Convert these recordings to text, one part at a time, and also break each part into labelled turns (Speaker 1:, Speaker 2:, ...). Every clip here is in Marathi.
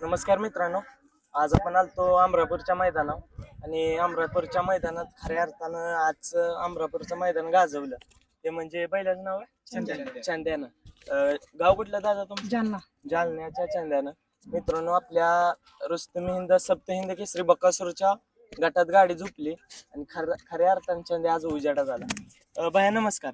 Speaker 1: नमस्कार मित्रांनो, आज आपण आलतो अमरापूरच्या मैदानावर आणि अमरापूरच्या मैदानात खऱ्या अर्थानं आज अमरापूरचं मैदान गाजवलं. ते म्हणजे बैलाचं नाव आहे चांद्यानं. गाव कुठलं दादा तुमचं?
Speaker 2: जालना.
Speaker 1: जालन्याच्या चांद्यानं. मित्रांनो, आपल्या रुस्तम हिंद सप्त हिंद केसरी बकासूरच्या गटात गाडी झोपली आणि खऱ्या अर्थानं चांद्या आज उजाडा झाला. भैया नमस्कार.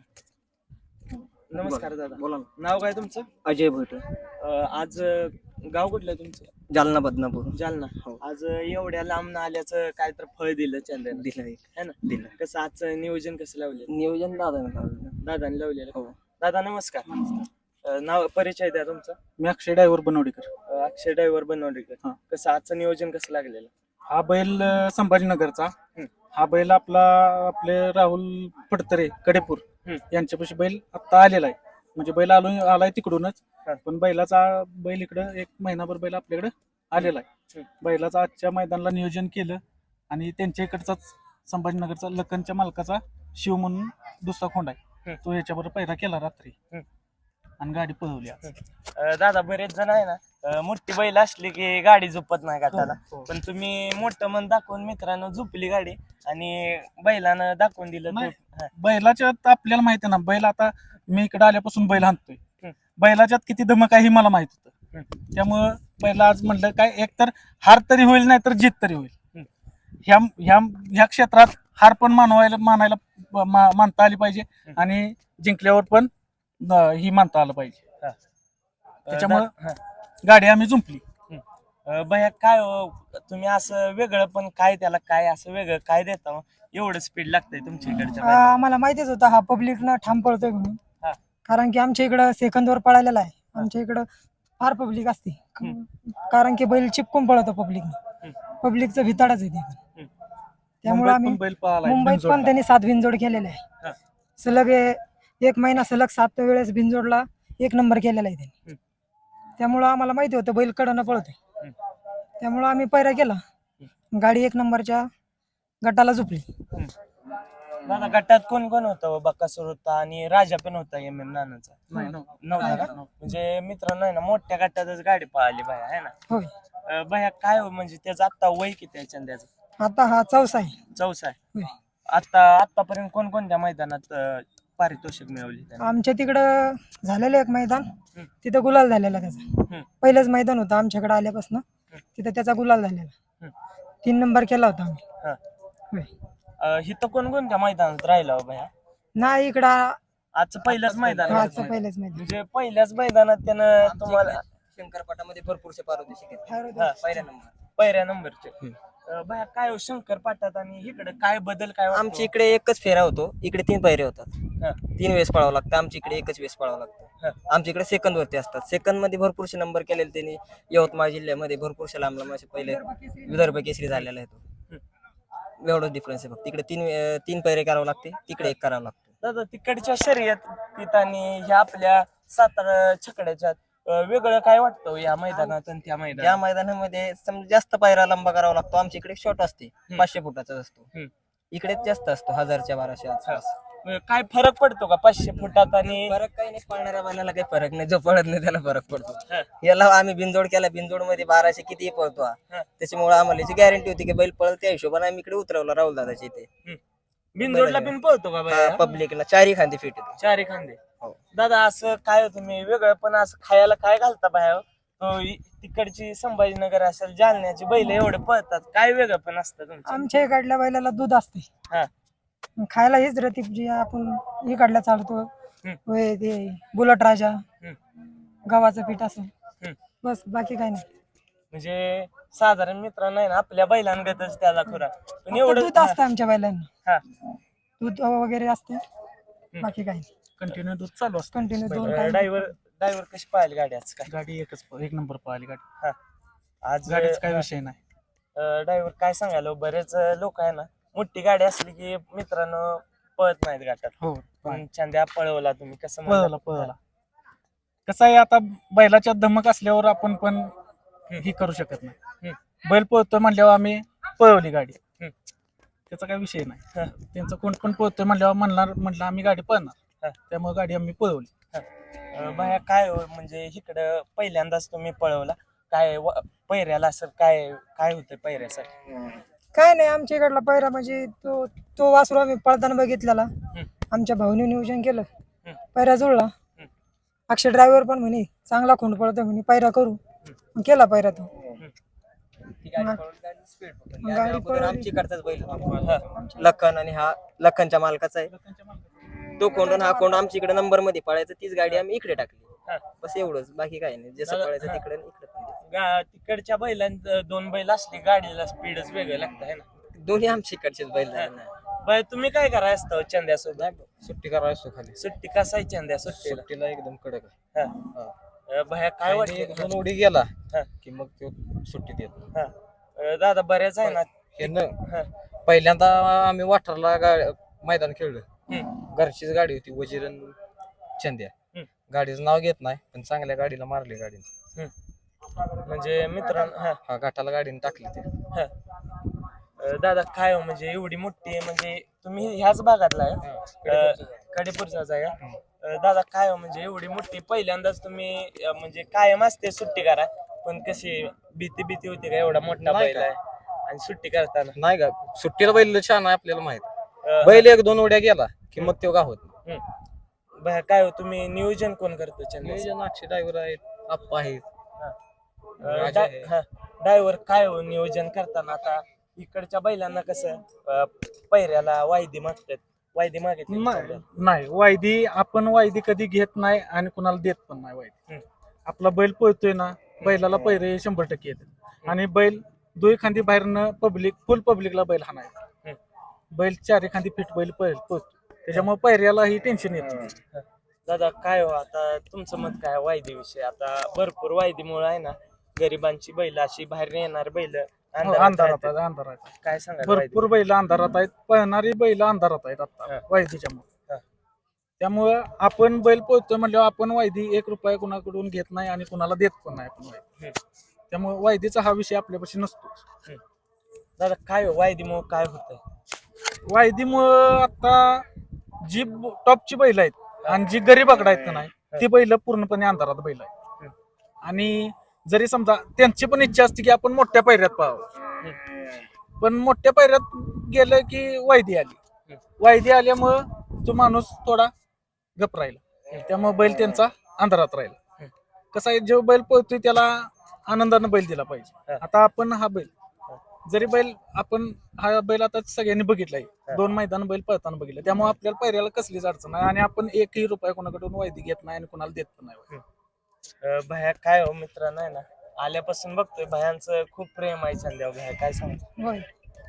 Speaker 1: नमस्कार दादा,
Speaker 3: बोला.
Speaker 1: नाव काय तुमचं?
Speaker 3: अजय भट.
Speaker 1: आज गाव कुठलं तुमचं?
Speaker 3: जालना बदनापूर.
Speaker 1: जालना. आज एवढ्या लांब आल्याचं काय तर फळ दिलं चंद्यानं,
Speaker 3: दिलं एक
Speaker 1: है ना?
Speaker 3: दिलं
Speaker 1: कसं आजचं नियोजन कसं लावलं?
Speaker 3: नियोजन दादा.
Speaker 1: दादाने लावलेलं.
Speaker 3: हो.
Speaker 1: दादा नमस्कार. नाव परिचय द्या तुमचा.
Speaker 4: मी अक्षय ड्रायव्हर बनवडीकर.
Speaker 1: अक्षय ड्रायव्हर बनवडीकर.
Speaker 4: हा.
Speaker 1: कसं आजचं नियोजन कसं लागलेलं?
Speaker 4: हा बैल संभाजीनगरचा. हा बैल आपले राहुल फडतरे कडेपूर यांच्यापाशी बैल आता आलेला आहे. म्हणजे बैल आलाय तिकडूनच, पण बैल इकडं एक महिनाभर बैल आपल्याकडे आलेला आहे. बैलाचा आजच्या मैदानाला नियोजन केलं आणि त्यांच्या इकडचाच संभाजीनगरचा लखनच्या मालकाचा शिव म्हणून दुसरा खोंड आहे, तो ह्याच्याबरोबर पहिला केला रात्री आणि गाडी पळवली आज.
Speaker 1: दादा, बरेच जण आहे ना, मोठी बैल असली की गाडी झोपत नाही गाठाला, पण तुम्ही मोठं मन दाखवून मित्रांनो झोपली गाडी आणि बैलानं दाखवून दिलं.
Speaker 4: बैलाच्यात आपल्याला माहिती आहे ना, बैल आता मी इकडे आल्यापासून बैल हाणतोय, बैलाच्यात किती धमक आहे हे मला माहित होतं. त्यामुळं बैला आज म्हणलं काय, एक तर हार तरी होईल नाही तर जीत तरी होईल. ह्या क्षेत्रात हार पण मानता आली पाहिजे आणि जिंकल्यावर पण ही मानता आलं पाहिजे. त्याच्यामुळं गाडी आम्ही जुंपली.
Speaker 1: भैया काय तुम्ही असं वेगळं पण काय त्याला काय असं वेगळं काय देता एवढं स्पीड लागतंय तुमच्या इकडच्या?
Speaker 2: आम्हाला माहितीच होतं हा पब्लिक ना ठाम पळतोय म्हणून, कारण की आमच्या इकडं सेकंदवर पळालेला आहे. आमच्या इकडं फार पब्लिक असते, कारण की बैल चिपकून पळतो पब्लिकचं भिताडच आहे ते. त्यामुळे आम्ही मुंबईत पण त्यांनी 7 बिनजोड केलेले आहे. सलग एक महिना सलग 7 वेळेस बिनजोडला 1 नंबर केलेला आहे त्यांनी. त्यामुळं आम्हाला माहिती होतं बैल कडनं पळतोय, त्यामुळं आम्ही पैरा केला. गाडी 1 नंबरच्या गटाला झोपली.
Speaker 1: दादा, गटात कोण कोण होतं? बकासूर होता आणि राजा पण होता एम एम नानाचा. नव्हता. म्हणजे मित्रांनो आहे ना, मोठ्या गटातच गाडी पळाली बाया, आहे ना?
Speaker 2: होय.
Speaker 1: बाया काय म्हणजे त्याचं आता वय किती आहे चंद्याचं?
Speaker 2: आता हा 4सा आहे.
Speaker 1: 4 आहे.
Speaker 2: होय.
Speaker 1: आतापर्यंत कोणकोणत्या मैदानात पारितोषिक मिळवली त्याने?
Speaker 2: आमच्या तिकडं झालेलं एक मैदान, तिथं गुलाल झालेला त्याचा. पहिलंच मैदान होतं आमच्याकडे आल्यापासून, तिथं त्याचा गुलाल झालेला. 3 नंबर केला होता आम्ही. होय.
Speaker 1: इथं कोणकोणत्या मैदानात राहिला हो भैया?
Speaker 2: नाही, इकडं
Speaker 1: आजचं पहिलंच मैदान आहे.
Speaker 2: आजचं पहिलंच मैदान.
Speaker 1: म्हणजे पहिल्याच मैदानात त्यानं तुम्हाला
Speaker 3: शंकरपाटामध्ये भरपूरसे पारितोषिक
Speaker 1: पहिल्या नंबरचे. भैया काय हो शंकरपाटात आणि इकडे काय बदल काय वाटतो?
Speaker 3: आमच्या इकडे एकच फेरा होतो, इकडे 3 पायरे होतात. 3 वेळेस पळावं लागतं. आमच्या इकडे एकच वेळेस पळावं लागतं. आमच्या इकडे सेकंद वरती असतात. सेकंद मध्ये भरपूरसे नंबर केलेले त्यांनी. यवतमाळ जिल्ह्यामध्ये भरपूरशे लांब पहिले विदर्भ केसरी झालेला आहे तो. एवढंच डिफरन्स आहे फक्त. इकडे 3 पायरे करावं लागते, तिकडे 1 करावं लागतं.
Speaker 1: दादा, तिकडच्या शर्यत आणि ह्या आपल्या सातारा छकड्याच्या वेगळं काय वाटतं या मैदानात आणि त्या मैदानात?
Speaker 3: या मैदानामध्ये समजा जास्त पायरा लंबा करावा लागतो. आमच्या इकडे शॉर्ट असते, 500 फुटाचा असतो. इकडे जास्त असतो, 1000-1200 आसपास.
Speaker 1: काय फरक पडतो का 500 फुटात? आणि
Speaker 3: फरक काही नाही, पळणाऱ्या बैलाला काही फरक नाही. जो पळत नाही त्याला फरक पडतो. याला आम्ही बिनजोड केला, बिनजोड मध्ये 1200 कितीही पळतो हा. त्याच्यामुळे आम्हाला याची गॅरंटी होती की बैल पळल, त्या हिशोबाने आम्ही इकडे उतरवला राहुल दादाच्या इथे.
Speaker 1: बिनजोडला बिन पळतो का बाया?
Speaker 3: पब्लिकला 4ही खांदे फिट येतो.
Speaker 1: 4 खांदे.
Speaker 3: हो.
Speaker 1: दादा, असं काय तुम्ही वेगळं पण असं खायला काय घालता बाहेर? तिकडची संभाजीनगर असेल, जालन्याची बैल एवढे पळतात, काय वेगळं पण असतं तुमचं?
Speaker 2: आमच्या इकडल्या बैलाला दूध असते. खायला हेच रतीप जी आपण इकडल्या चालतो, ते बुलट राजा, गव्हाचं पीठ असेल, बस बाकी काय नाही.
Speaker 1: म्हणजे साधारण मित्रांनो आहे ना, आपल्या बैलांगतच त्याला खुराक, पण
Speaker 2: फक्त
Speaker 1: एवढं
Speaker 2: दूध असतं आमच्या बैलांना. दूध वगैरे असते, बाकी काही नाही.
Speaker 4: कंटिन्यू दूध चालू असतं.
Speaker 2: कंटिन्यू 2
Speaker 1: ड्रायव्हर कशी पाहिली गाडी आज? काय
Speaker 4: गाडी 1 नंबर पळाली गाडी.
Speaker 1: आज
Speaker 4: गाडीच काय विषय नाही.
Speaker 1: ड्रायव्हर काय सांगायला, बरेच लोक आहे ना, मोठी गाडी असली की मित्रांनो पळत नाहीत गाठात.
Speaker 4: हो,
Speaker 1: पण चंद्या पळवला तुम्ही, कसं
Speaker 4: पळवला. कसं आहे, आता बैलाच्या धमक असल्यावर आपण पण ही करू शकत नाही. बैल पळतोय म्हणल्यावर आम्ही पळवली गाडी, त्याचा काही विषय नाही. त्यांचं कोण पण पळतोय म्हणल्यावर म्हणलं आम्ही गाडी पळणार, त्यामुळे गाडी आम्ही पळवली.
Speaker 1: बाया काय म्हणजे इकडं पहिल्यांदाच तुम्ही पळवला, काय पैऱ्याला असं काय काय होतं पैऱ्यासाठी?
Speaker 2: काय नाही आमच्या इकडला पहिरा म्हणजे तो तो वासरू आम्ही पळताना बघितलेला. आमच्या भाऊने नियोजन केलं, पहिरा जुळला. अक्षय ड्रायव्हर पण म्हणे चांगला खोंड पळतो म्हणे, पहिरा करू. मग केला पहिरा तो. गाडी पळवली.
Speaker 3: आमची इकडचाच बैल होता. लखन आणि हा लखनच्या मालकाचा आहे. तो कोंड आणि हा कोंड आमच्या इकडे नंबर मध्ये पळायचा, तीच गाडी आम्ही इकडे टाकली. बस एवढंच, बाकी काही नाही. जसं पळायचं तिकडे आणि इकडे पण.
Speaker 1: तिकडच्या बैलांचं 2 बैल असले गाडीला स्पीडच वेगळं लागतं है ना.
Speaker 3: दोन्ही आमच्या इकडचेच बैल झाले ना.
Speaker 1: बाय तुम्ही काय कराय असतं चंद्यासोबत?
Speaker 5: सुट्टी करायचो खाली.
Speaker 1: सुट्टी कसा आहे चंद्या सुट्टीला?
Speaker 5: सुट्टीला एकदम कडक आहे.
Speaker 1: भया काय
Speaker 5: आणि
Speaker 1: वाटतं?
Speaker 5: एक दोन उडी गेला
Speaker 1: हा.
Speaker 5: की मग तो सुट्टी देत.
Speaker 1: दादा बऱ्याच आहे ना.
Speaker 5: हे पहिल्यांदा आम्ही वाठारला मैदान खेळलं. घरचीच गाडी होती, वजीरन चंद्या. गाडीचं नाव घेत नाही, पण चांगल्या गाडीला मारली गाडीने.
Speaker 1: म्हणजे मित्रांनो
Speaker 5: हा घाटाला गाडीने टाकली ते.
Speaker 1: दादा काय हो, म्हणजे एवढी मोठी, म्हणजे तुम्ही ह्याच भागातला आहे, कडेपूरचाच आहे का? दादा काय हो, म्हणजे एवढी मोठी पहिल्यांदाच तुम्ही म्हणजे कायम असते सुट्टी करा, पण कशी भीती होती का? एवढा मोठा बैल आहे आणि सुट्टी करताना
Speaker 5: नाही का सुट्टीला बैल छान आहे आपल्याला माहित. बैल एक दोन उड्या गेला की मग तो गावत.
Speaker 1: भया काय हो, तुम्ही नियोजन कोण करतो चंद्या?
Speaker 5: नियोजन अक्षय ड्रायव्हर आहेत, आप्पा आहेत.
Speaker 1: ड्रायव्हर काय हो नियोजन करताना? आता इकडच्या बैलांना कसं पैऱ्याला वायदी मागतात, वायदी मागितली
Speaker 4: नाही वायदी आपण वायदी कधी घेत नाही आणि कुणाला देत पण नाही वायदी. आपला बैल पळतोय ना, बैलाला पैरे 100% येतात. आणि बैल 2 खांदी बाहेरनं फुल पब्लिकला बैल हाणायचा. बैल 4 खांदी फिट बैल पळतो, त्याच्यामुळे पैऱ्याला ही टेन्शन येत नाही.
Speaker 1: दादा काय हो, आता तुमचं मत काय वायदी विषय? आता भरपूर वायदीमुळे आहे ना, गरिबांची बैल अशी बाहेर येणार बैल
Speaker 4: अंधारात आहेत.
Speaker 1: काय सांगा?
Speaker 4: भरपूर बैल अंधारात आहेत, पळणारी बैल अंधारात आहेत आता वायदीच्यामुळे. त्यामुळं आपण बैल पळतोय म्हणल्यावर आपण वायदी 1 रुपया कुणाकडून घेत नाही आणि कुणाला देत पण नाही आपण वायदी. त्यामुळे वायदीचा हा विषय आपल्यापाशी नसतो.
Speaker 1: दादा काय हो, वायदीमुळे काय होतंय?
Speaker 4: वायदीमुळं आता जी टॉपची बैल आहेत आणि जी गरीबाकडे आहेत का नाही, ती बैल पूर्णपणे अंधारात बैल आहेत. आणि जरी समजा त्यांची पण इच्छा असते की आपण मोठ्या पायऱ्यात पळावं, पण मोठ्या पायऱ्यात गेलं की वायदी आली. वायदी आल्यामुळं तो माणूस थोडा गप राहिला, त्यामुळे बैल त्यांचा अंधारात राहिला. कसं आहे, जो बैल पळतोय त्याला आनंदानं बैल दिला पाहिजे. आता आपण हा बैल जरी आपण हा बैल आता सगळ्यांनी बघितलाय, 2 मैदान बैल पळताना बघितलं, त्यामुळे आपल्याला पायऱ्याला कसलीच अडचण नाही आणि आपण 1ही रुपया कोणाकडून वायदी घेत नाही आणि कोणाला देत पण नाही.
Speaker 1: भया काय हो मित्रांनो, आहे ना, आल्यापासून बघतोय भयांचं खूप प्रेम आहे चंद्यावर. भया काय सांग?
Speaker 2: होय.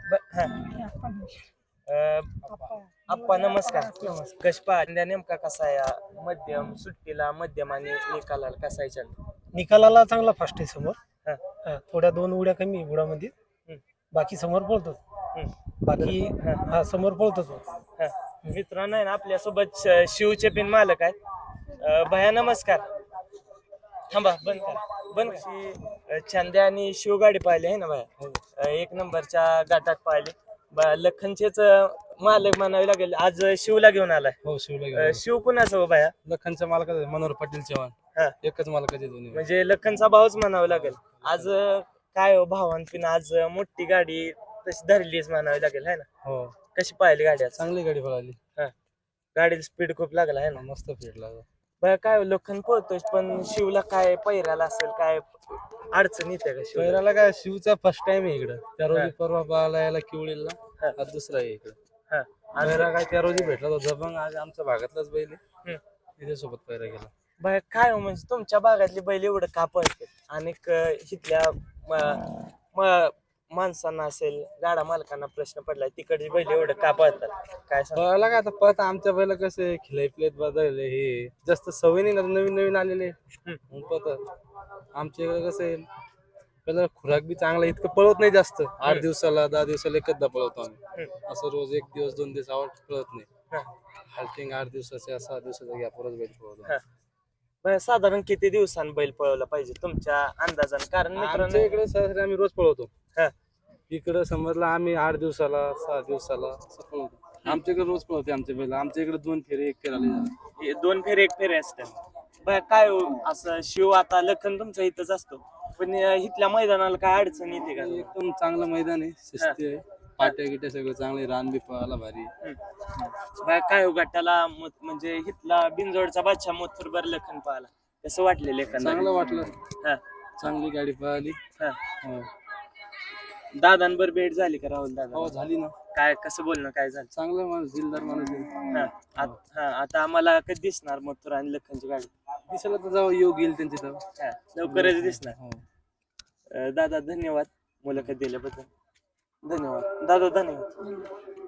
Speaker 1: आप्पा नमस्कार. कशपा नेमका कसा आहे? मध्यम सुट्टीला, मध्यम आणि निकालाला कसा आहे चंद्या?
Speaker 6: निकालाला चांगला फास्ट आहे समोर. थोड्या 2 उड्या कमी बुडामध्ये, बाकी समोर पळतो. बाकी समोर पळतो.
Speaker 1: मित्रांनो आहे ना, आपल्यासोबत शिवचे पिन मालक आहेत. भया नमस्कार. थांबा, बंद करा. चंद्या आणि शिव गाडी पाहिली आहे ना भया, 1 नंबरच्या गाठात पाहिली. लखनचेच मालक म्हणावे लागेल, आज शिवला घेऊन आलाय.
Speaker 6: हो, शिवला
Speaker 1: शिव कुणाचं हो भया?
Speaker 6: लखनच्या मालकाचा मनोहर पाटील चव्हाण, एकच मालकाचे दोन्ही.
Speaker 1: म्हणजे लखनचा भाऊच म्हणावं लागेल. आज काय हो भावांपिन, आज मोठी गाडी तशी धरलीच म्हणावी लागेल है ना.
Speaker 6: हो,
Speaker 1: कशी पाहिली गाडी आज?
Speaker 6: चांगली गाडी पळाली.
Speaker 1: गाडीला स्पीड खूप लागला आहे ना.
Speaker 6: मस्त फिट लागला.
Speaker 1: बरं काय हो, लखन पळतोय पण शिवला काय पैराला असेल काय अडचण येते का शिवला?
Speaker 6: पैराला काय, शिवचा फर्स्ट टाइम आहे इकडं. त्या रोजी परवा पळाला याला किवळीला, आज दुसरा आहे इकडं. पैरा काय त्या रोजी भेटला होता, पण आज आमच्या भागातलाच बैल आहे, त्याच्यासोबत पैरा गेला.
Speaker 1: बरं काय हो, म्हणजे तुमच्या भागातली बैल एवढं का पळते आणि इथल्या माणसांना असेल, गाडा मालकांना प्रश्न पडलाय, तिकडची बैल एवढं का पळतात काय सांग?
Speaker 6: पळाला काय आता पळता आमच्या बैला कसे खिलाई प्लेट बदलले, हे जास्त सवय नाही ना, नवीन आलेले पळतात. आमच्या इकडे कसं आहे, पहिला खुराक बी चांगला, इतकं पळत नाही जास्त. 8 दिवसाला 10 दिवसाला एकदा पळवतो आम्ही. असं रोज 1 दिवस 2 दिवस आवड पळत नाही. हाल्टिंग 8 दिवसाच्या 6 दिवसाचा गॅपवरच बैल पळवतो.
Speaker 1: बरं साधारण किती दिवसांनी बैल पळवला पाहिजे तुमच्या अंदाजाने? कारण
Speaker 6: आमच्या इकडे सरासरी आम्ही रोज पळवतो. इकडे समजला आम्ही 8 दिवसाला 6 दिवसाला असं पळवतो. आमच्याकडे रोज पळवते आमच्या बैल. आमच्या इकडे 2 फेरे 1 फेरा,
Speaker 1: 2 फेरे 1 फेरे असतात. बरं काय हो, असं शिव आता लखन तुमचा इथंच असतो, पण इथल्या मैदानाला काय अडचण येते का
Speaker 6: एकदम चांगलं मैदान आहे, शिस्ती आहे, पाट्या गिट्या सगळं चांगले, रान बी पळायला भारी.
Speaker 1: काय हो गटाला म्हणजे इथला बिनजोडचा बादशाह मोथुरबर लखन पाहिला कसं वाटले लेखन
Speaker 6: चांगलं वाटलं,
Speaker 1: हा
Speaker 6: चांगली गाडी पळाली.
Speaker 1: हा
Speaker 6: हो
Speaker 1: दादांबर भेट झाली का राहुल दादा
Speaker 6: हो, झाली ना.
Speaker 1: काय कसं बोलणं काय झालं
Speaker 6: चांगलं माणूस, दिलदार माणूस आहे.
Speaker 1: आता आम्हाला कधी दिसणार मथुर आणि लखनची गाडी
Speaker 6: दिसायला तर जाऊ योग येईल त्यांची तेव्हा.
Speaker 1: लवकरच दिसणार.
Speaker 6: हो.
Speaker 1: दादा धन्यवाद मुलाखत दिल्याबद्दल. धन्यवाद दादा, धन्यवाद.